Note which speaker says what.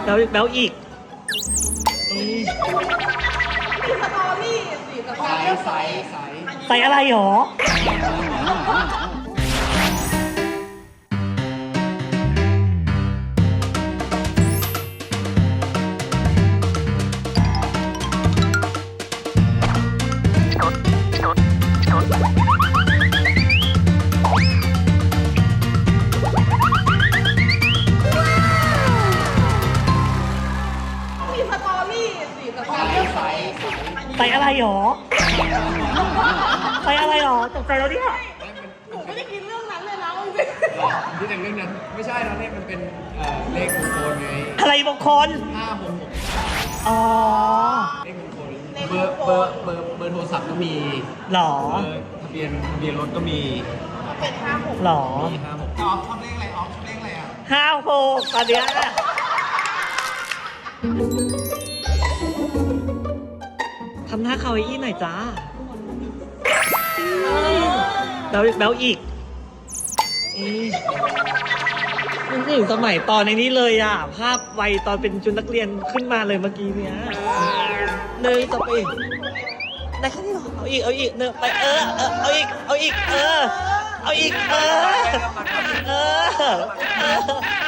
Speaker 1: แล้วอีก
Speaker 2: มีสตอรี่สิแต่ความ
Speaker 3: ใส
Speaker 1: ใส่อะไรหรอ
Speaker 2: มีสตอรี่สิแต่ความ
Speaker 1: ใส่อะไรหรอใส่อะไรหรอตกใจแล้วเนี่ย
Speaker 2: หนูไม่ได้คิดเรื่องนั้นเลยนะจริง
Speaker 3: ที่แต่งเรื่องนั้นไม่ใช่แล้วเนี่ยมันเป็นเลขมงคลไง
Speaker 1: อะไรมงคล
Speaker 3: 566
Speaker 1: อ๋อ
Speaker 3: เลขมงคลเบอร์โทรศัพท์ก็มี
Speaker 1: หรอ
Speaker 3: ทะเบียนรถก็มี
Speaker 2: ๆเป็น56
Speaker 1: หรอ
Speaker 3: มี56ออฟชอบเลขอะไรออฟชอบเลขอะไรอ่ะ
Speaker 1: 56ตอนเนี้ยทำหน้าคาวาอี้หน่อยจ้าแล้วอีกนึกถึงสมัยตอนในนี้เลยอ่ะ ภาพวัยตอนเป็นชุดนักเรียนขึ้นมาเลยเมื่อกี้เนี้ยต่อไปได้แค่นี้หรอเอาอีกเนยไปเอาอีกเอาอีก